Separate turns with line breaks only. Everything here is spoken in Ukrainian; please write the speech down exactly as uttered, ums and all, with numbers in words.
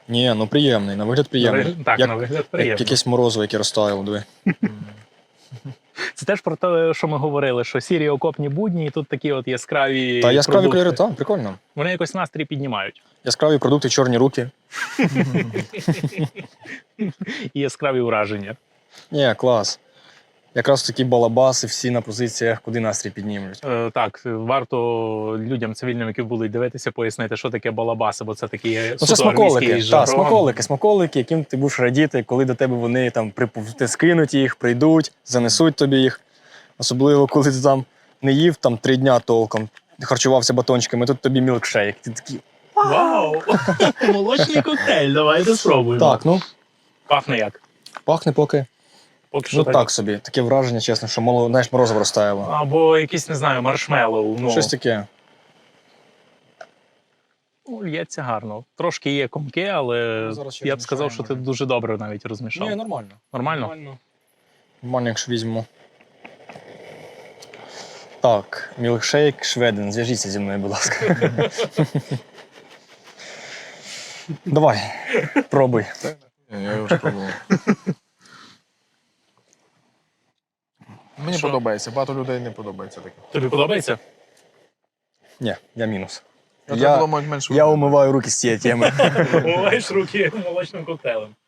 Ні, ну приємний, на вигляд приємний.
На вигляд- так,
як,
на вигляд
як
приємно.
якесь морозиво, яке розтаяло, диви.
Це теж про те, що ми говорили, що сірі окопні будні, і тут такі от яскраві
Та яскраві
продукти.
кольори, так, прикольно.
Вони якось настрій піднімають.
Яскраві продукти, чорні руки.
І яскраві враження.
Ні, клас. Якраз такі балабаси всі на позиціях, куди настрій піднімуть.
Е, так, варто людям цивільним, які будуть дивитися, пояснити, що таке балабаси, бо це такі
Ну,
суто
це смаколики,
англійський
так,
жаргон.
смаколики, смаколики, яким ти будеш радіти, коли до тебе вони там припов- ти скинуть їх, прийдуть, занесуть тобі їх. Особливо, коли ти там не їв там три дня толком, харчувався батончиками, тут тобі мілкшейк. Ти такий,
Вау! Молочний коктейль, давайте спробуємо.
так, ну,
Пахне як?
пахне поки.
Поки що
Ну так собі, таке враження, чесно, що мало, знаєш, морозиво розтаяло.
Або якийсь, не знаю, маршмеллоу. Ну,
Щось таке.
ну, лється гарно. Трошки є комки, але
Ну, зараз ще
я б сказав, що
розмішаємо,
ти дуже добре навіть розмішав.
Ні, нормально.
Нормально?
Нормально, якщо візьмемо. Так, мілкшейк Шведен, зв'яжіться зі мною, будь ласка. Давай, пробуй.
Ні, я вже пробував. Мені
Що?
подобається, багато людей не подобається таке.
Тобі подобається?
Ні, я мінус.
Я,
Я-
треба було мати менше.
Я умиваю руки з цієї теми.
Умиваєш руки молочним коктейлем.